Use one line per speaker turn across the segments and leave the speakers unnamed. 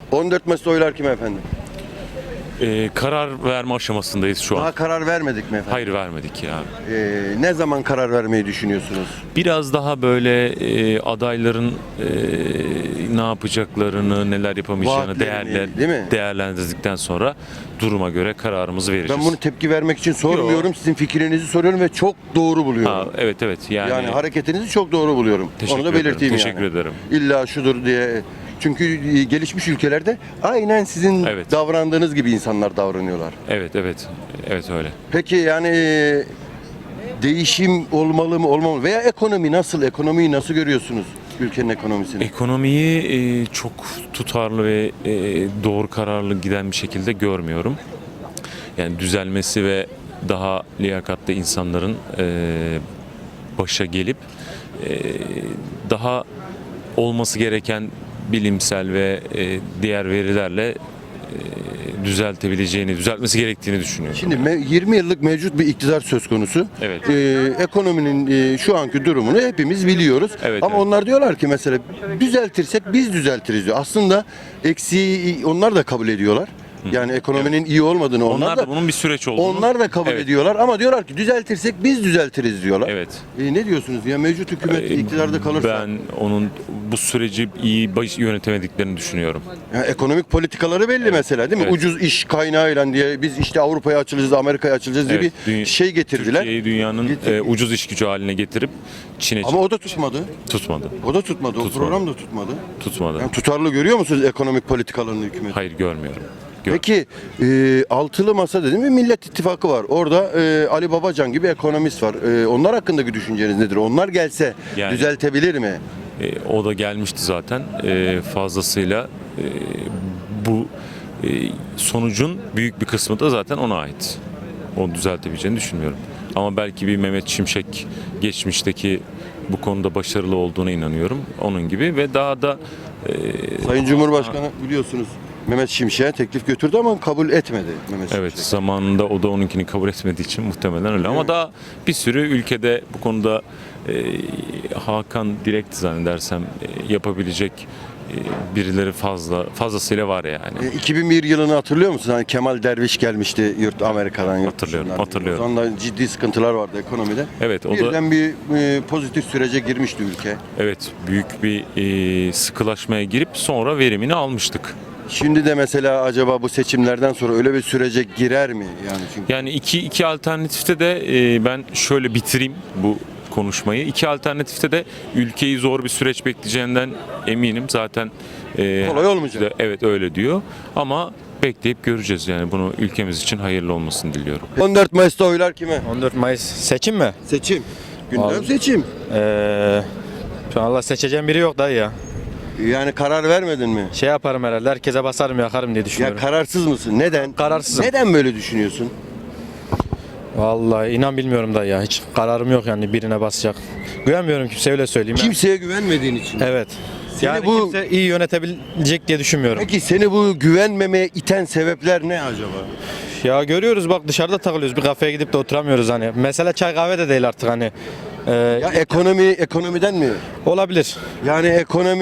14 Mayıs'ta oylar kime efendim?
Karar verme aşamasındayız şu an.
Daha karar vermedik mi efendim?
Hayır, vermedik ya.
Ne zaman karar vermeyi düşünüyorsunuz?
Biraz daha böyle adayların ne yapacaklarını, neler yapamayacağını
Vaatlerini, değil mi?
değerlendirdikten sonra duruma göre kararımızı vereceğiz.
Ben bunu tepki vermek için sormuyorum. Sizin fikrinizi soruyorum ve çok doğru buluyorum.
Ha, evet
Yani hareketinizi çok doğru buluyorum.
Teşekkür
Onu da
ederim,
belirteyim
teşekkür ederim.
İlla şudur diye. Çünkü gelişmiş ülkelerde aynen sizin
Evet.
davrandığınız gibi insanlar davranıyorlar.
Evet öyle.
Peki yani değişim olmalı mı olmamalı mı? Veya ekonomi nasıl? Ekonomiyi nasıl görüyorsunuz? Ülkenin ekonomisini.
Ekonomiyi çok tutarlı ve doğru kararlı giden bir şekilde görmüyorum. Yani düzelmesi ve daha liyakatli insanların başa gelip daha olması gereken bilimsel ve diğer verilerle düzeltmesi gerektiğini düşünüyorum.
Şimdi 20 yıllık mevcut bir iktidar söz konusu.
Evet.
Ekonominin şu anki durumunu hepimiz biliyoruz.
Evet,
Ama
evet.
onlar diyorlar ki mesela düzeltirsek biz düzeltiriz diyor. Aslında eksiği onlar da kabul ediyorlar. Yani ekonominin iyi olmadığını
Onlar da bunun bir süreç olduğunu.
onlar da kabul
Evet.
ediyorlar ama diyorlar ki düzeltirsek biz düzeltiriz diyorlar.
Evet.
Ne diyorsunuz? Ya mevcut hükümet iktidarda kalırsa
Ben onun bu süreci iyi yönetemediklerini düşünüyorum.
ya ekonomik politikaları belli mesela değil mi?
Evet.
Ucuz iş kaynağıyla diye biz işte Avrupa'ya açılacağız, Amerika'ya açılacağız diye bir şey getirdiler.
Türkiye'yi dünyanın ucuz iş gücü haline getirip Çin'e
Ama o da tutmadı.
tutmadı.
O da tutmadı. O
Tutmadı.
program da tutmadı.
Tutmadı.
Yani tutarlı görüyor musunuz ekonomik politikalarını hükümet?
Hayır, görmüyorum.
Peki altılı masa dedim mi Millet İttifakı var. Orada Ali Babacan gibi ekonomist var. Onlar hakkındaki düşünceniz nedir? Onlar gelse
Yani-
düzeltebilir mi?
O da gelmişti zaten fazlasıyla. Bu sonucun büyük bir kısmı da zaten ona ait. Onu düzeltebileceğini düşünmüyorum. Ama belki bir Mehmet Şimşek geçmişteki bu konuda başarılı olduğuna inanıyorum. Onun gibi ve daha da
Sayın Cumhurbaşkanı biliyorsunuz Mehmet Şimşek'e teklif götürdü ama kabul etmedi Mehmet
evet,
Şimşek.
zamanında o da onunkini kabul etmediği için muhtemelen öyle. Ama daha bir sürü ülkede bu konuda Hakan direkt zannedersem yapabilecek birileri fazlasıyla var yani.
2001 yılını hatırlıyor musun? Hani Kemal Derviş gelmişti Amerika'dan.
Hatırlıyorum.
O zaman da ciddi sıkıntılar vardı ekonomide.
Evet, o da
Birden bir pozitif sürece girmişti ülke.
evet, büyük bir sıkılaşmaya girip sonra verimini almıştık.
Şimdi de mesela acaba bu seçimlerden sonra öyle bir sürece girer mi?
Yani iki alternatifte de ben şöyle bitireyim bu konuşmayı. İki alternatifte de ülkeyi zor bir süreç bekleyeceğinden eminim. Zaten
Kolay olmayacak.
Evet, öyle diyor. Ama bekleyip göreceğiz yani. Bunu ülkemiz için hayırlı olmasını diliyorum.
14 Mayıs'ta oylar kime?
14 Mayıs seçim mi?
Seçim. Gündem
Abi.
seçim.
Şu an Allah seçeceğim biri yok dayı ya.
Yani karar vermedin mi?
Şey yaparım herhalde, herkese basarım yakarım diye
Ya
düşünüyorum.
kararsız mısın? Neden?
Kararsızım.
Neden böyle düşünüyorsun?
Vallahi inan bilmiyorum dayı ya. Hiç kararım yok yani birine basacak. Güvenmiyorum kimseye, öyle söyleyeyim.
Kimseye güvenmediğin için.
Evet.
Seni
Yani
bu-
kimse iyi yönetebilecek diye düşünmüyorum.
Peki seni bu güvenmemeye iten sebepler ne acaba?
Ya görüyoruz bak, dışarıda takılıyoruz. Bir kafeye gidip de oturamıyoruz hani. Mesela çay kahve de değil artık hani.
Ya ekonomiden mi?
Olabilir.
Yani ekonomi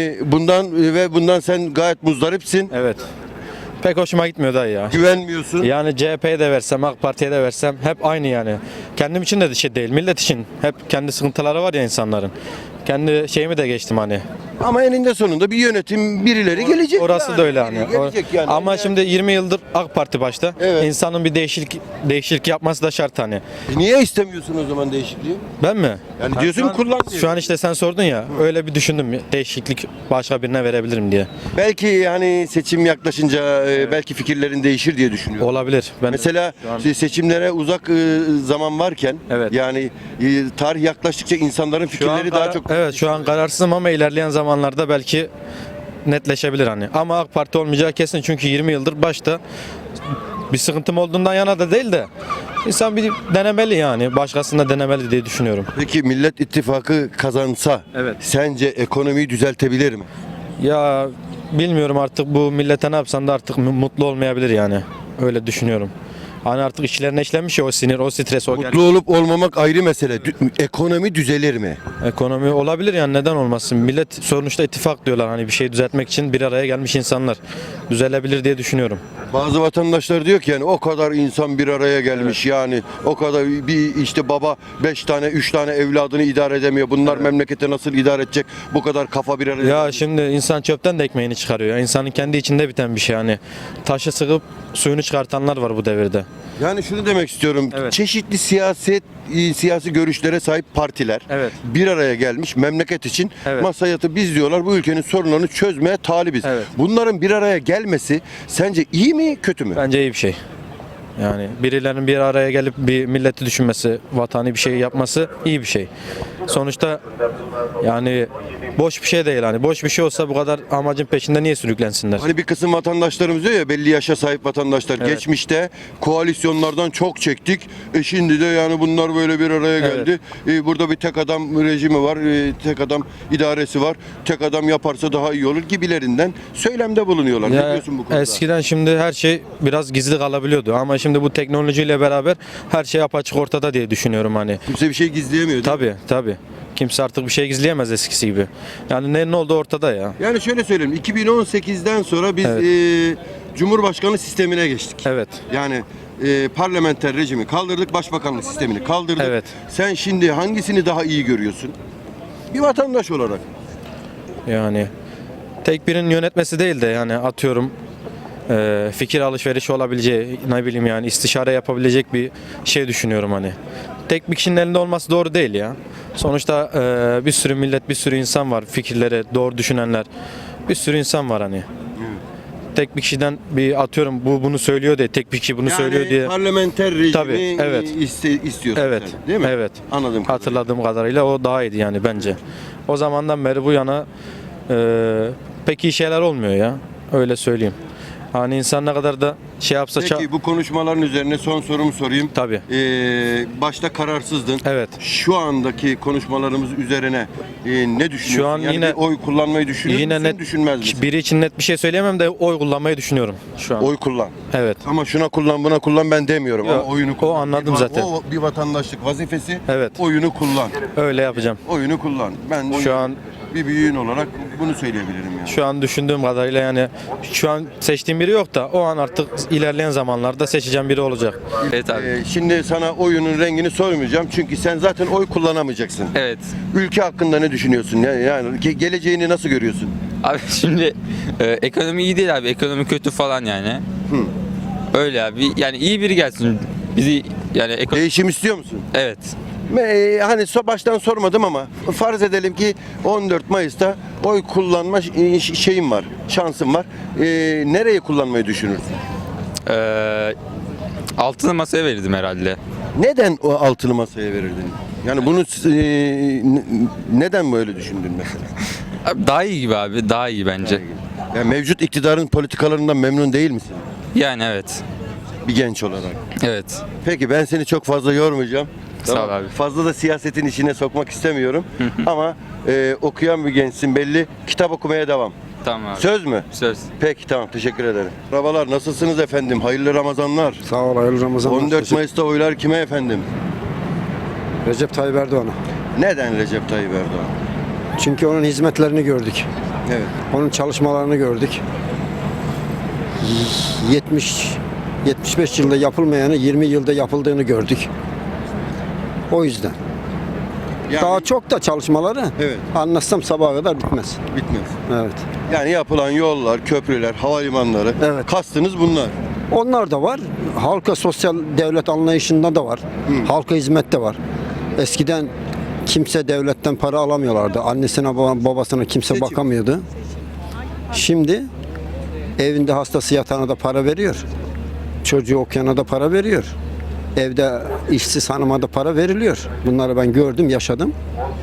bundan sen gayet muzdaripsin.
Evet. Pek hoşuma gitmiyor dayı ya.
Güvenmiyorsun.
Yani CHP'ye de versem, AK Parti'ye de versem hep aynı yani. Kendim için de şey değil, millet için. Hep kendi sıkıntıları var ya insanların. Kendi şeyimi de geçtim hani.
Ama eninde sonunda bir yönetim birileri gelecek.
Orası
yani.
da öyle hani.
Biri gelecek yani.
Ama şimdi 20 yıldır AK Parti başta.
Evet.
İnsanın bir değişiklik yapması da şart hani.
Niye istemiyorsun o zaman değişikliği?
Ben mi?
Yani diyorsun kullan diyor.
Şu an işte sen sordun ya. Öyle bir düşündüm. Değişiklik başka birine verebilirim diye.
Belki yani seçim yaklaşınca belki fikirlerin değişir diye düşünüyorum.
Olabilir. Ben
Mesela
şu an-
seçimlere uzak zaman varken
Evet.
yani tarih yaklaştıkça insanların fikirleri daha çok
Evet, şu an kararsızım ama ilerleyen zamanlarda belki netleşebilir hani. Ama AK Parti olmayacağı kesin, çünkü 20 yıldır başta bir sıkıntım olduğundan yana da değil de insan bir denemeli yani. Başkasında denemeli diye düşünüyorum.
Peki Millet İttifakı kazansa
Evet.
sence ekonomiyi düzeltebilir mi?
Ya bilmiyorum artık, bu millete ne yapsan da artık mutlu olmayabilir yani. Öyle düşünüyorum. Hani artık içlerine işlemiş ya o sinir, o stres, o
Mutlu olup olmamak ayrı mesele. Ekonomi düzelir mi?
ekonomi olabilir yani, neden olmasın? Millet sonuçta ittifak diyorlar, hani bir şey düzeltmek için bir araya gelmiş insanlar. Düzelebilir diye düşünüyorum.
Bazı vatandaşlar diyor ki yani o kadar insan bir araya gelmiş, yani o kadar bir işte baba 5 tane 3 tane evladını idare edemiyor. Bunlar memleketi nasıl idare edecek? Bu kadar kafa bir araya.
Ya şimdi insan çöpten de ekmeğini çıkarıyor. İnsanın kendi içinde biten bir şey yani. Taşı sıkıp suyunu çıkartanlar var bu devirde.
Yani şunu demek istiyorum.
Evet.
Çeşitli siyasi görüşlere sahip partiler
Evet.
bir araya gelmiş memleket için
Evet.
masaya yatıp biz diyorlar bu ülkenin sorunlarını çözmeye talibiz.
Evet.
Bunların bir araya gelmesi sence iyi mi kötü mü?
Bence iyi bir şey. Yani birilerinin bir araya gelip bir milleti düşünmesi, vatani bir şey yapması iyi bir şey. Sonuçta yani boş bir şey değil, hani boş bir şey olsa bu kadar amacın peşinde niye sürüklensinler?
Hani bir kısım vatandaşlarımız diyor ya, belli yaşa sahip vatandaşlar,
Evet.
geçmişte koalisyonlardan çok çektik. Şimdi de yani bunlar böyle bir araya
Evet.
geldi. Burada bir tek adam rejimi var, tek adam idaresi var. Tek adam yaparsa daha iyi olur gibilerinden söylemde bulunuyorlar. Ne
Ya
diyorsun bu konuda?
eskiden şimdi her şey biraz gizli kalabiliyordu ama şimdi bu teknolojiyle beraber her şey apaçık ortada diye düşünüyorum hani.
Kimse bir şey gizleyemiyor. değil mi?
Tabii. Kimse artık bir şey gizleyemez eskisi gibi. Yani ne oldu ortada ya.
Yani şöyle söyleyeyim, 2018'den sonra biz
Evet.
Cumhurbaşkanı sistemine geçtik.
Evet.
Yani parlamenter rejimi kaldırdık, başbakanlık sistemini kaldırdık.
Evet.
Sen şimdi hangisini daha iyi görüyorsun? Bir vatandaş olarak.
Yani tek birinin yönetmesi değil de yani atıyorum fikir alışverişi olabileceği, ne bileyim yani istişare yapabilecek bir şey düşünüyorum hani. Tek bir kişinin elinde olması doğru değil ya. Sonuçta bir sürü millet, bir sürü insan var, fikirleri doğru düşünenler. Bir sürü insan var hani. Tek bir kişiden bir atıyorum bu bunu söylüyor diye, tek bir kişi bunu söylüyor diye.
parlamenter rejimi
Tabii, evet.
istiyorsun
Evet.
sen, değil mi?
Evet.
Anladım.
Hatırladığım kadarıyla o daha iyiydi yani bence. O zamandan beri bu yana pek iyi şeyler olmuyor ya. Öyle söyleyeyim. Hani insan ne kadar da şey yapsa
Peki bu konuşmaların üzerine son sorumu sorayım.
Tabii.
Başta kararsızdın.
Evet.
Şu andaki konuşmalarımız üzerine ne düşünüyorsun?
Şu an
yani
yine-
bir oy kullanmayı düşünür
Yine
müsün,
net
düşünmez misin?
biri için net bir şey söyleyemem de oy kullanmayı düşünüyorum şu an.
Oy kullan.
Evet.
Ama şuna kullan, buna kullan ben demiyorum.
Yok,
Ama oyunu kullan.
o anladım zaten.
O bir vatandaşlık vazifesi.
Evet.
Oyunu kullan.
Öyle yapacağım.
Oyunu kullan. Ben
Şu an
bir büyüğün olarak bunu söyleyebilirim yani.
Şu an düşündüğüm kadarıyla yani şu an seçtiğim biri yok da o an artık ilerleyen zamanlarda seçeceğim biri olacak.
Evet abi.
Şimdi sana oyunun rengini sormayacağım çünkü sen zaten oy kullanamayacaksın.
Evet.
Ülke hakkında ne düşünüyorsun? Yani geleceğini nasıl görüyorsun?
Abi şimdi ekonomi iyi değil abi. Ekonomi kötü falan yani. Öyle abi. Yani iyi biri gelsin. Bizi yani
Değişim istiyor musun?
evet.
Hani baştan sormadım ama farz edelim ki 14 Mayıs'ta oy kullanma şeyim var, şansım var. Nereye kullanmayı düşünürsün?
Altılı masaya verirdim herhalde.
Neden o altılı masaya verirdin? Yani bunu neden böyle düşündün mesela?
Abi daha iyi gibi abi. Daha iyi bence.
Yani mevcut iktidarın politikalarından memnun değil misin?
Yani evet.
Bir genç olarak.
Evet.
Peki ben seni çok fazla yormayacağım.
Sağ ol abi.
Fazla da siyasetin içine sokmak istemiyorum. Ama okuyan bir gençsin belli. Kitap okumaya devam.
Tamam abi.
Söz mü?
Söz.
Peki tamam, teşekkür ederim. Merhabalar, nasılsınız efendim? Hayırlı Ramazanlar.
Sağ ol, hayırlı Ramazanlar.
14 Mayıs'ta oylar kime efendim?
Recep Tayyip Erdoğan'a.
Neden Recep Tayyip Erdoğan?
Çünkü onun hizmetlerini gördük.
Evet.
Onun çalışmalarını gördük. 75 yılda yapılmayanı 20 yılda yapıldığını gördük. O yüzden.
Yani
Daha çok da çalışmaları
Evet.
anlatsam sabaha kadar bitmez.
bitmez.
Evet.
Yani yapılan yollar, köprüler, havalimanları.
Evet.
Kastınız bunlar.
Onlar da var. Halka sosyal devlet anlayışında da var. Halka hizmet de var. Eskiden kimse devletten para alamıyorlardı. Annesine babasına kimse
Seçim.
bakamıyordu. Şimdi evinde hastası yatağına da para veriyor. Çocuğu okuyana da para veriyor. Evde işsiz hanıma da para veriliyor. Bunları ben gördüm, yaşadım.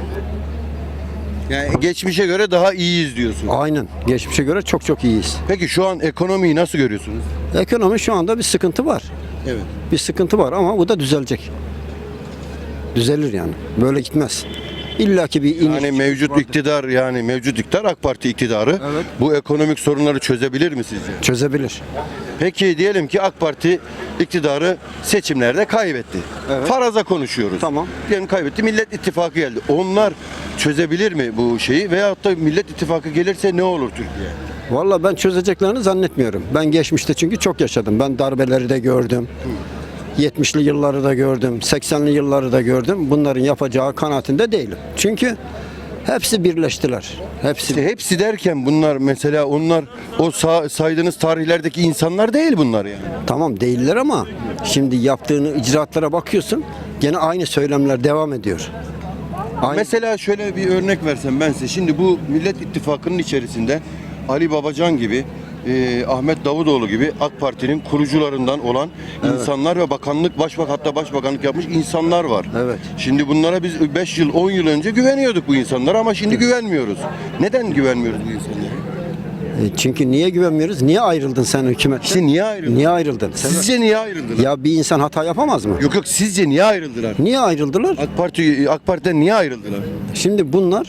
Yani geçmişe göre daha iyiyiz diyorsun.
Aynen. Geçmişe göre çok çok iyiyiz.
Peki şu an ekonomiyi nasıl görüyorsunuz?
Ekonomi şu anda bir sıkıntı var.
Evet.
Bir sıkıntı var ama bu da düzelecek. Düzelir yani. Böyle gitmez. İlla ki bir iniş.
Yani mevcut iktidar, mevcut iktidar AK Parti iktidarı
Evet.
bu ekonomik sorunları çözebilir mi sizce?
Çözebilir.
Peki diyelim ki AK Parti iktidarı seçimlerde kaybetti.
Evet.
Faraza konuşuyoruz.
Tamam.
Diyelim kaybetti. Millet İttifakı geldi. Onlar çözebilir mi bu şeyi? Veyahut da Millet İttifakı gelirse ne olur Türkiye?
Vallahi ben çözeceklerini zannetmiyorum. Ben geçmişte çünkü çok yaşadım. Ben darbeleri de gördüm. 70'li yılları da gördüm. 80'li yılları da gördüm. Bunların yapacağı kanaatinde değilim. Çünkü hepsi birleştiler.
İşte hepsi derken bunlar mesela onlar o saydığınız tarihlerdeki insanlar değil bunlar yani.
Tamam değiller ama şimdi yaptığını icraatlara bakıyorsun. Gene aynı söylemler devam ediyor. Aynı.
Mesela şöyle bir örnek versem ben size. Şimdi bu Millet İttifakı'nın içerisinde Ali Babacan gibi, Ahmet Davutoğlu gibi AK Parti'nin kurucularından olan insanlar ve hatta başbakanlık yapmış insanlar var.
Evet.
Şimdi bunlara biz 5 yıl, 10 yıl önce güveniyorduk bu insanlara ama şimdi güvenmiyoruz. Neden güvenmiyoruz bu insanlara?
Çünkü niye güvenmiyoruz? Niye ayrıldın sen hükümetten?
İşte niye ayrıldın?
Niye ayrıldın?
Sizce niye ayrıldılar?
Ya bir insan hata yapamaz mı?
Yok sizce niye ayrıldılar?
Niye ayrıldılar?
AK Parti'den niye ayrıldılar?
Şimdi bunlar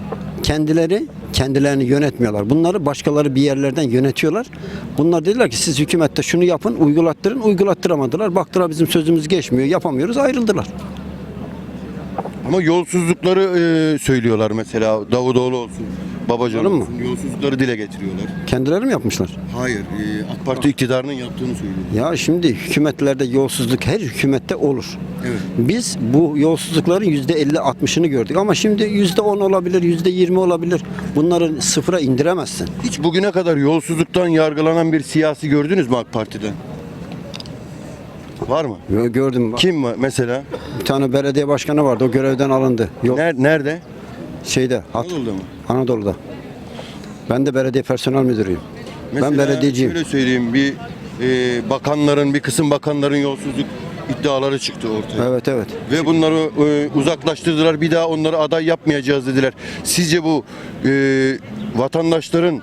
kendilerini yönetmiyorlar. Bunları başkaları bir yerlerden yönetiyorlar. Bunlar dediler ki siz hükümette şunu yapın, uygulattıramadılar. Baktılar bizim sözümüz geçmiyor, yapamıyoruz, ayrıldılar.
Ama yolsuzlukları söylüyorlar mesela Davutoğlu olsun, Babacan
Öyle mi?
olsun. Yolsuzlukları dile getiriyorlar.
Kendileri mi yapmışlar?
Hayır, AK Parti iktidarının yaptığını söylüyor.
Ya şimdi hükümetlerde yolsuzluk her hükümette olur.
Evet.
Biz bu yolsuzlukların %50-60'ını gördük ama şimdi %10 olabilir, %20 olabilir. Bunları sıfıra indiremezsin.
Hiç bugüne kadar yolsuzluktan yargılanan bir siyasi gördünüz mü AK Parti'den? Var mı?
Gördüm.
Kim var mesela?
Bir tane belediye başkanı vardı, o görevden alındı. Yok,
Nerede?
Anadolu'da
mı?
Anadolu'da. Ben de belediye personel müdürüyüm. Ben belediyeciyim.
Şöyle söyleyeyim, bir kısım bakanların yolsuzluk iddiaları çıktı ortaya.
Evet.
Ve bunları uzaklaştırdılar. Bir daha onları aday yapmayacağız dediler. Sizce bu vatandaşların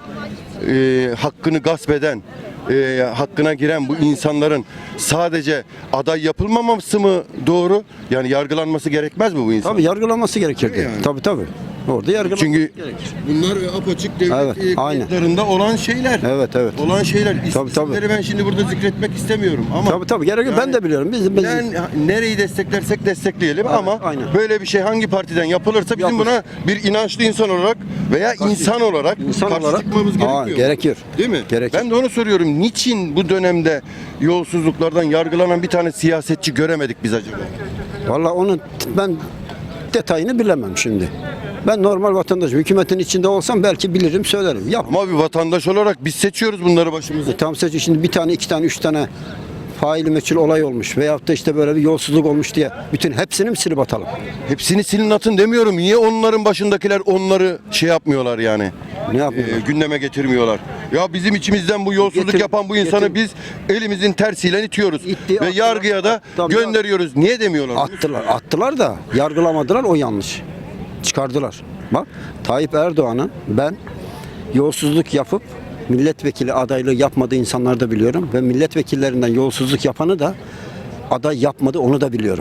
hakkını gasp eden, hakkına giren bu insanların sadece aday yapılmaması mı doğru? Yani yargılanması gerekmez mi bu insan?
Tabii yargılanması gerekirdi.
Yani.
Tabii. Orada yargılanması
Çünkü
gerekir.
bunlar apaçık devlet
Evet, aynen.
kayıtlarında olan şeyler.
Evet.
Olan şeyler.
Tabii.
İsimleri ben şimdi burada zikretmek istemiyorum ama
Tabii gerekir. Ben de biliyorum. Biz
nereyi desteklersek destekleyelim
Evet,
ama
aynen.
böyle bir şey hangi partiden yapılırsa bizim
Yapılır.
buna bir inançlı insan olarak veya insan olarak karşı çıkmamız gerekiyor.
Gerekir.
Değil mi?
Gerekir.
Ben de onu soruyorum. Niçin bu dönemde yolsuzluklardan yargılanan bir tane siyasetçi göremedik biz acaba?
Vallahi onu ben detayını bilemem şimdi. Ben normal vatandaşım. Hükümetin içinde olsam belki bilirim, söylerim. Yap.
Ama bir vatandaş olarak biz seçiyoruz bunları başımıza.
Tam seçim şimdi bir tane, iki tane, üç tane faili meçhul olay olmuş veyahut da işte böyle bir yolsuzluk olmuş diye bütün hepsini mi silip atalım?
Hepsini silin atın demiyorum. Niye onların başındakiler onları şey yapmıyorlar yani?
Ne yapıyorlar?
Gündeme getirmiyorlar. Ya bizim içimizden bu yolsuzluk
Getir-
yapan bu insanı
getir-
biz elimizin tersiyle itiyoruz.
İtti,
ve
attılar.
yargıya da
Tabii.
gönderiyoruz. Niye demiyorlar?
Attılar da yargılamadılar, o yanlış. Çıkardılar. Bak Tayyip Erdoğan'ın ben yolsuzluk yapıp milletvekili adaylığı yapmadığı insanları da biliyorum ve milletvekillerinden yolsuzluk yapanı da aday yapmadı, onu da biliyorum.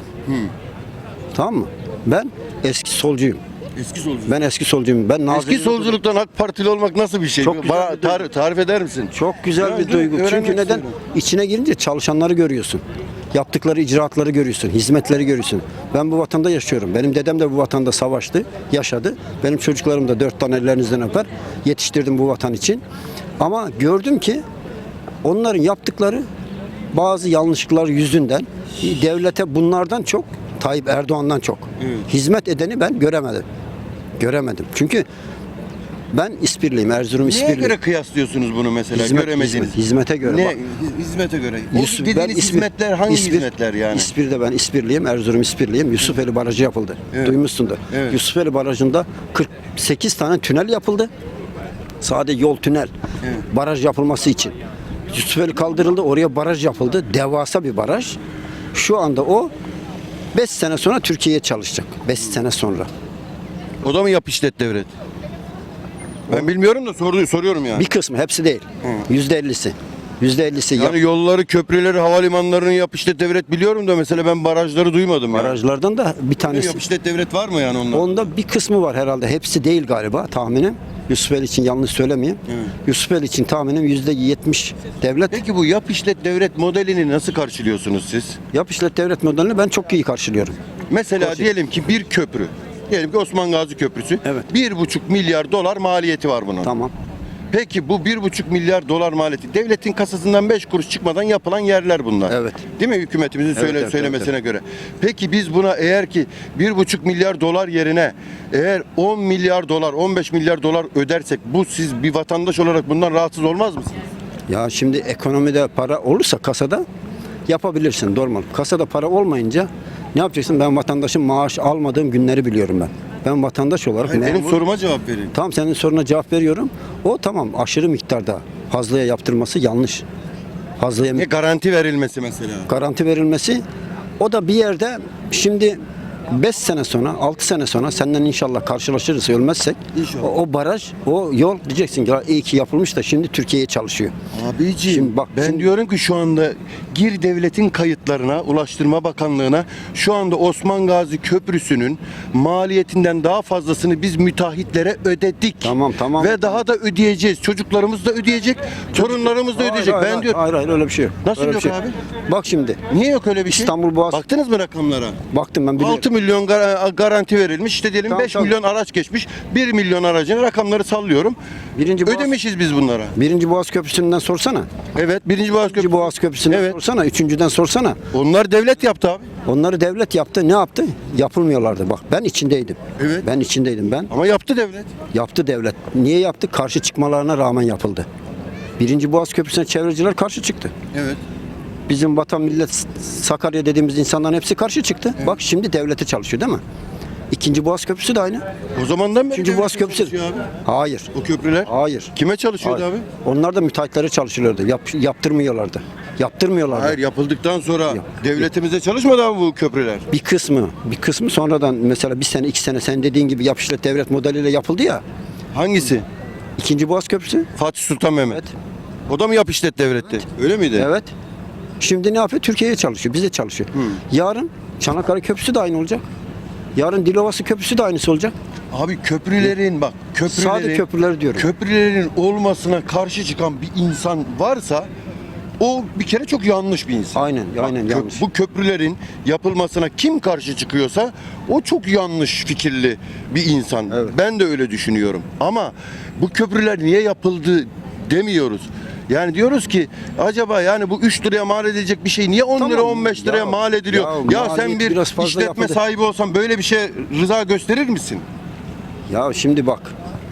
Tamam mı? Ben eski solcuyum.
Eski solculuk.
Ben eski solcuyum. Ben
Eski
Nazilli'de
solculuktan AK Partili olmak nasıl bir şey?
Çok güzel
Bana
bir duygu.
tarif eder misin?
Çok güzel
Ya,
bir duygu.
öğrenmek
Çünkü neden?
istiyorum.
İçine girince çalışanları görüyorsun. Yaptıkları icraatları görüyorsun. Hizmetleri görüyorsun. Ben bu vatanda yaşıyorum. Benim dedem de bu vatanda savaştı, yaşadı. Benim çocuklarım da 4 tane ellerinizden öper. Yetiştirdim bu vatan için. Ama gördüm ki onların yaptıkları bazı yanlışlıklar yüzünden devlete bunlardan çok, Tayyip Erdoğan'dan çok hizmet edeni ben göremedim. Çünkü ben İspirliyim, Erzurum
Neye
İspirliyim.
göre kıyaslıyorsunuz bunu mesela? Göremediğiniz.
Hizmete göre.
Ne?
Bak,
Hizmete göre.
Yusuf- ben
Dediğiniz hizmetler hangi hizmetler yani?
İspir'de ben İspirliyim, Erzurum İspirliyim. Yusufeli Barajı yapıldı.
Evet.
Duymuşsundur.
Evet.
Yusufeli Barajı'nda 48 tane tünel yapıldı. Sadece yol tünel. Baraj yapılması için. Yusufeli kaldırıldı, oraya baraj yapıldı. Devasa bir baraj. Şu anda o 5 sene sonra Türkiye'ye çalışacak. 5 sene sonra.
O da mı yap işlet devlet? Ben bilmiyorum da soruyorum yani.
Bir kısmı, hepsi değil. %50'si. %50'si
Yani yolları, köprüleri, havalimanlarını yap işlet devlet biliyorum da mesela ben barajları duymadım.
barajlardan da bir
Yani.
tanesi.
Yap işlet devlet var mı yani onlar?
Onda bir kısmı var herhalde. Hepsi değil galiba tahminim. Yusufeli için yanlış söylemeyeyim.
Evet.
Yusufeli için tahminim %70 devlet.
Peki bu yap işlet devlet modelini nasıl karşılıyorsunuz siz?
Yap işlet devlet modelini ben çok iyi karşılıyorum.
Mesela diyelim ki bir köprü. Diyelim ki Osman Gazi Köprüsü.
Evet.
1,5 milyar dolar maliyeti var bunun.
Tamam.
Peki bu 1,5 milyar dolar maliyeti devletin kasasından 5 kuruş çıkmadan yapılan yerler bunlar.
Evet.
Değil mi hükümetimizin
Evet,
söylemesine göre? Peki biz buna eğer ki 1,5 milyar dolar yerine eğer 10 milyar dolar 15 milyar dolar ödersek bu siz bir vatandaş olarak bundan rahatsız olmaz mısınız?
Ya şimdi ekonomide para olursa kasada yapabilirsin normal. Kasada para olmayınca ne yapacaksın? Ben vatandaşın maaş almadığım günleri biliyorum ben. Ben vatandaş olarak
Hayır, benim
memur-
soruma cevap verin.
Tamam senin soruna cevap veriyorum. O tamam aşırı miktarda fazlaya yaptırması yanlış. Fazlaya
Ne garanti verilmesi mesela?
garanti verilmesi o da bir yerde şimdi 5 sene sonra 6 sene sonra senden inşallah karşılaşırız ölmezsek
İnşallah.
o baraj o yol diyeceksin ki "Ya iyi ki yapılmış da şimdi Türkiye'ye çalışıyor."
Abiciğim
Şimdi bak,
ben
şimdi-
diyorum ki şu anda gir devletin kayıtlarına, Ulaştırma Bakanlığı'na şu anda Osman Gazi Köprüsü'nün maliyetinden daha fazlasını biz müteahhitlere ödedik.
Tamam.
Ve daha da ödeyeceğiz. Çocuklarımız da ödeyecek, torunlarımız da ödeyecek.
Hayır,
ben
hayır,
diyorum.
hayır öyle bir şey yok.
Nasıl
Öyle bir
yok
şey
abi?
Bak şimdi
Niye yok öyle bir şey?
İstanbul Boğaz-
Baktınız mı rakamlara?
baktım ben biliyorum.
6 milyon garanti verilmiş. İşte diyelim
Tamam,
5
tamam.
milyon araç geçmiş. 1 milyon aracın rakamları sallıyorum.
Birinci Boğaz,
Ödemişiz biz bunlara.
Birinci Boğaz Köprüsü'nden sorsana.
Evet, birinci Boğaz
İkinci
Köprüsü.
Boğaz Köprüsü'nden
Evet.
sorsana. Üçüncüden sorsana.
Onlar devlet yaptı abi.
Onları devlet yaptı. Ne yaptı? Yapılmıyorlardı. Bak ben içindeydim.
Evet.
Ben içindeydim ben.
Ama yaptı devlet.
Yaptı devlet. Niye yaptı? Karşı çıkmalarına rağmen yapıldı. Birinci Boğaz Köprüsü'ne çevreciler karşı çıktı.
Evet.
Bizim vatan millet Sakarya dediğimiz insanların hepsi karşı çıktı. Bak şimdi devlete çalışıyor değil mi? İkinci Boğaz Köprüsü de aynı.
O zamandan beri
Üçüncü
devlet
Boğaz Köprüsü.
çalışıyor abi.
Hayır.
O köprüler.
Hayır.
Kime çalışıyordu
Hayır.
abi?
Onlar da müteahhitlere çalışıyorlardı. Yaptırmıyorlardı. Yaptırmıyorlardı.
Hayır, yapıldıktan sonra
Yok.
devletimize çalışmadı abi bu köprüler.
Bir kısmı sonradan mesela bir sene 2 sene sen dediğin gibi yap işlet devlet modeliyle yapıldı ya.
Hangisi?
İkinci Boğaz Köprüsü.
Fatih Sultan Mehmet.
Evet.
O da mı yap işlet devletti? Öyle miydi?
Evet. Şimdi ne yapıyor? Türkiye'ye çalışıyor. Bize çalışıyor. Yarın Çanakkale Köprüsü de aynı olacak. Yarın Dilovası Köprüsü de aynısı olacak.
Abi köprülerin bak
Sade köprüleri diyorum.
Köprülerin olmasına karşı çıkan bir insan varsa o bir kere çok yanlış bir insan.
Aynen
Bak,
yanlış.
Bu köprülerin yapılmasına kim karşı çıkıyorsa o çok yanlış fikirli bir insan.
Evet.
Ben de öyle düşünüyorum. Ama bu köprüler niye yapıldı demiyoruz. Yani diyoruz ki acaba yani bu 3 liraya mal edilecek bir şey niye 10 lira
Tamam.
15 liraya
Ya-
mal ediliyor?
ya
Ya sen
maliyeti
bir
biraz fazla
işletme
yapıldı.
sahibi olsan böyle bir şey rıza gösterir misin?
Ya şimdi bak.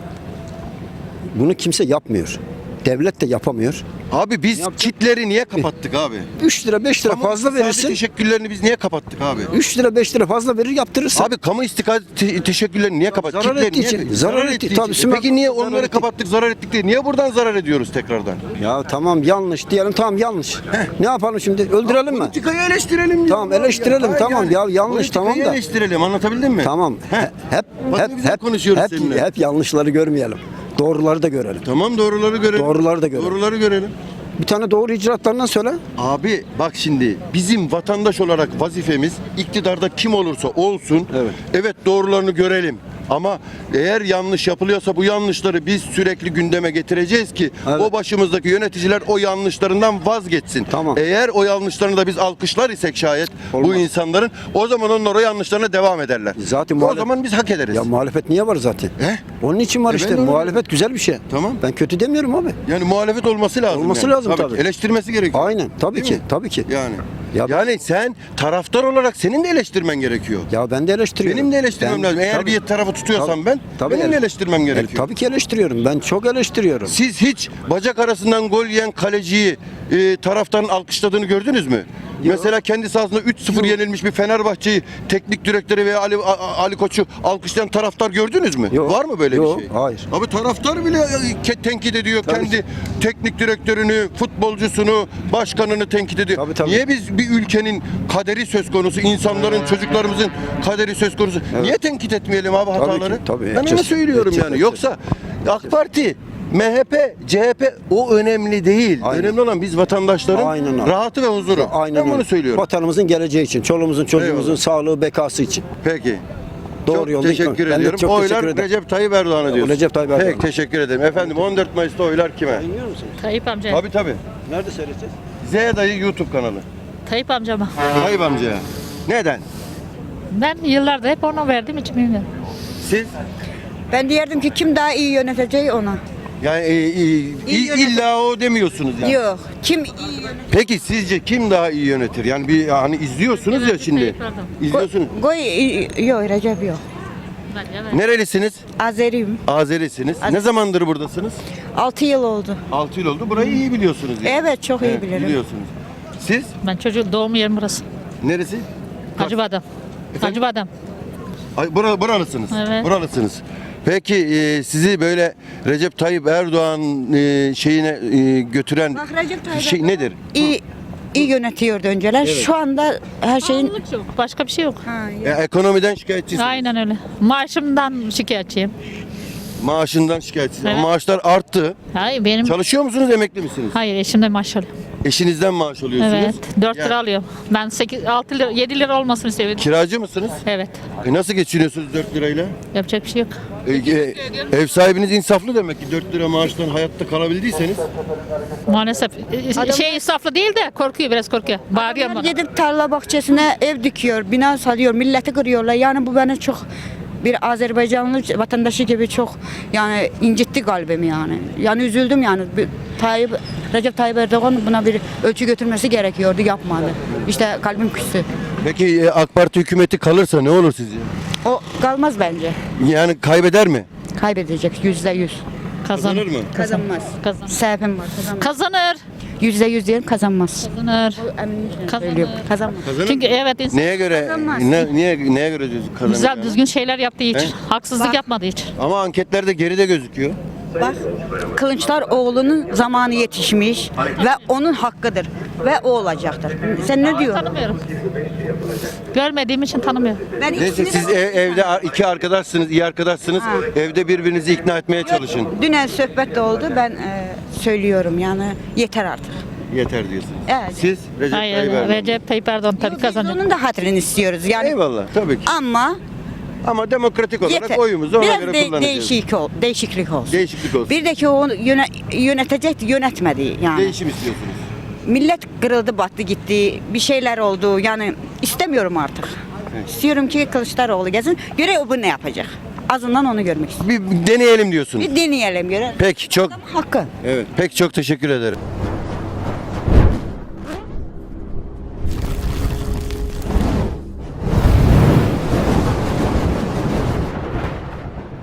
Bunu kimse yapmıyor. Devlet de yapamıyor.
Abi biz
yapacak?
kitleri niye kapattık abi?
3 lira 5 lira
Kamu
fazla
iktisadi
verirsin.
teşekkürlerini biz niye kapattık abi?
3 lira 5 lira fazla verir yaptırırsın.
Abi kamu istikadi teşekkürlerini niye kapattık?
zarar
Kitleri
ettiği
niye-
için. Zarar ettiği- tabii,
için. Peki niye
zarar
onları
ettiği-
kapattık, zarar ettik diye? Niye buradan zarar ediyoruz tekrardan?
Ya tamam yanlış diyelim tamam yanlış. Ne yapalım şimdi? Öldürelim mi?
Politikayı eleştirelim.
Tamam,
ya.
eleştirelim,
Hayır
tamam ya, yanlış,
politikayı
tamam da.
eleştirelim, anlatabildim mi?
Tamam. Hep
Bak ne güzel konuşuyoruz seninle.
hep yanlışları görmeyelim. Doğruları da görelim.
Tamam, doğruları görelim.
Doğruları da görelim.
Doğruları görelim.
Bir tane doğru icraatlarından söyle.
Abi bak şimdi bizim vatandaş olarak vazifemiz iktidarda kim olursa olsun evet doğrularını görelim. Ama eğer yanlış yapılıyorsa bu yanlışları biz sürekli gündeme getireceğiz ki
Evet.
o başımızdaki yöneticiler o yanlışlarından vazgeçsin.
Tamam.
Eğer o yanlışlarını da biz alkışlar isek şayet bu
Olmaz.
insanların o zaman onlar o yanlışlarına devam ederler.
Zaten
o zaman biz hak ederiz.
Ya muhalefet niye var zaten?
He?
Onun için var
E,
işte.
ben de öyle
Muhalefet güzel bir şey.
Tamam.
Ben kötü demiyorum abi.
Yani muhalefet olması lazım.
Olması
yani.
lazım tabii.
Eleştirmesi gerekiyor.
Aynen. Tabii
Değil
ki.
mi?
Tabii ki.
Yani.
Ya-
Yani sen taraftar olarak senin de eleştirmen gerekiyor.
Ya ben de eleştiriyorum.
Benim de eleştirmem lazım. Eğer
Tabii.
bir tarafı tutuyorsam ben benim de
ele-
eleştirmem gerekiyor.
Tabii ki eleştiriyorum. Ben çok eleştiriyorum.
Siz hiç bacak arasından gol yiyen kaleciyi taraftarın alkışladığını gördünüz mü? Mesela kendi sahasında 3-0 yenilmiş bir Fenerbahçe'yi teknik direktörü veya Ali Koç'u alkışlayan taraftar gördünüz mü?
Yok.
Var mı böyle
Yok,
bir şey?
hayır.
Abi taraftar bile tenkit ediyor
Tabii
kendi teknik direktörünü, futbolcusunu, başkanını tenkit ediyor.
Tabii, tabii.
Niye biz bir ülkenin kaderi söz konusu, insanların, çocuklarımızın kaderi söz konusu? Niye tenkit etmeyelim abi hataları?
ki, tabii,
Ben onu
edeceğiz.
söylüyorum
Edeceğiz,
yani.
edeceğiz.
Yoksa AK Parti MHP, CHP o önemli değil.
Aynen.
Önemli olan biz vatandaşların
Aynen öyle.
rahatı ve huzuru.
Aynen
Ben bunu
öyle.
söylüyorum.
Vatanımızın geleceği için, çoluğumuzun, çocuğumuzun
Eyvallah.
sağlığı, bekası için.
Peki.
Doğru
çok
yolda
teşekkür
gitmek. Ben de
ediyorum.
çok
Oylar
teşekkür ederim.
Recep Tayyip Erdoğan'a diyorsun.
Recep Tayyip Erdoğan.
Peki teşekkür ederim. Efendim 14 Mayıs'ta oylar kime?
Bilmiyor musunuz?
Tayyip amca.
Tabii tabii.
Nerede seyredeceğiz?
Z dayı YouTube kanalı.
Tayyip amcama.
Tayyip amcaya. Neden?
Ben yıllardır hep ona verdiğim için bilmiyorum.
Siz?
Ben diyerdim ki kim daha iyi yöneteceği ona.
Yani
yönetim.
illa o demiyorsunuz yani.
Yok. Kim iyi yönetir?
Peki sizce kim daha iyi yönetir? Yani bir hani izliyorsunuz ya şimdi.
Tayyip Erdoğan.
İzliyorsunuz.
Yok Recep yok.
Evet.
Nerelisiniz?
Azeriyim.
Azerisiniz. Ne zamandır buradasınız?
6 yıl oldu.
6 yıl oldu. Burayı iyi biliyorsunuz. Yani.
Evet çok iyi
Evet,
bilirim.
biliyorsunuz. Siz?
Ben çocuğum doğum yerim burası.
Neresi?
Acıbadem. Acıbadem.
Ay, buralısınız.
Evet.
Buralısınız. Peki sizi böyle Recep Tayyip Erdoğan şeyine götüren
Bak Recep Tayyip
şey
Erdoğan
nedir?
iyi yönetiyordu önceler. Şu anda her şeyin...
Pahalılık yok. Başka bir şey yok.
Ha, yok.
Ekonomiden şikayetçisiniz.
Aynen öyle. Maaşımdan şikayetçiyim.
Maaşından şikayetçisiniz.
Evet.
Ama maaşlar arttı.
Hayır benim...
Çalışıyor musunuz, emekli misiniz?
Hayır eşimden maaş alıyorum.
Eşinizden maaş alıyorsunuz.
Evet. 4
Yani
lira alıyorum. Ben 8, 6 lira, 7 lira olmasını istiyorum.
Kiracı mısınız?
Evet.
Nasıl geçiniyorsunuz 4 lirayla?
Yapacak bir şey yok.
Ev sahibiniz insaflı demek ki 4 lira maaştan hayatta kalabildiyseniz.
Maalesef. Şey insaflı değil de korkuyor, biraz korkuyor. Bağırıyor
Adamlar
bana.
gidip tarla bahçesine ev dikiyor, bina salıyor, milleti kırıyorlar. Yani bu beni çok bir Azerbaycanlı vatandaşı gibi çok yani incitti kalbimi yani. Yani üzüldüm yani. Recep Tayyip Erdoğan buna bir ölçü götürmesi gerekiyordu, yapmadı. İşte kalbim küstü.
Peki AK Parti hükümeti kalırsa ne olur sizce?
O kalmaz bence.
Yani kaybeder mi?
Kaybedecek %100.
Kazanır mı?
Kazanmaz.
Kazanır.
Sebebim var. Kazanmaz.
Kazanır.
%100 diyelim kazanmaz.
Kazanır.
Eminim
Kazanır.
söylüyorum. Kazanmaz.
Kazanır
Çünkü
mı?
evet insan
Neye göre
Kazanmaz.
neye göre diyorsun kazanır?
güzel
yani?
düzgün şeyler yaptığı için.
He?
Haksızlık
Bak.
yapmadığı için.
Ama anketlerde geride gözüküyor.
Bak Kılıçdaroğlu'nun zamanı yetişmiş ve onun hakkıdır ve o olacaktır. Sen ne diyorsun?
Tanımıyorum. Görmediğim için tanımıyorum.
Ben
Neyse
ikisini
siz
de-
evde iki arkadaşsınız, iyi arkadaşsınız.
Ha.
Evde birbirinizi ikna etmeye çalışın.
Dünen sohbet de oldu. Ben söylüyorum yani yeter artık.
Yeter diyorsunuz.
Evet.
Siz Recep Tayyip
Hayır,
Erdoğan.
Recep Tayyip Erdoğan tabii
Biz
kazanacak.
onun da hatırını istiyoruz yani.
Eyvallah tabii ki.
Ama
Demokratik olarak
yeter.
oyumuzu ona
Biraz
göre kullanacağız.
değişiklik olsun.
Değişiklik olsun.
Bir de ki o yönetecekti, yönetmedi yani.
Değişim istiyorsunuz.
Millet kırıldı, battı, gitti. Bir şeyler oldu. Yani istemiyorum artık. İstiyorum ki Kılıçdaroğlu gelsin. Göre o bu ne yapacak? Azından onu görmek istiyorum.
Bir deneyelim diyorsunuz.
Bir deneyelim göre.
Peki çok
Hakkı.
evet. Peki çok teşekkür ederim.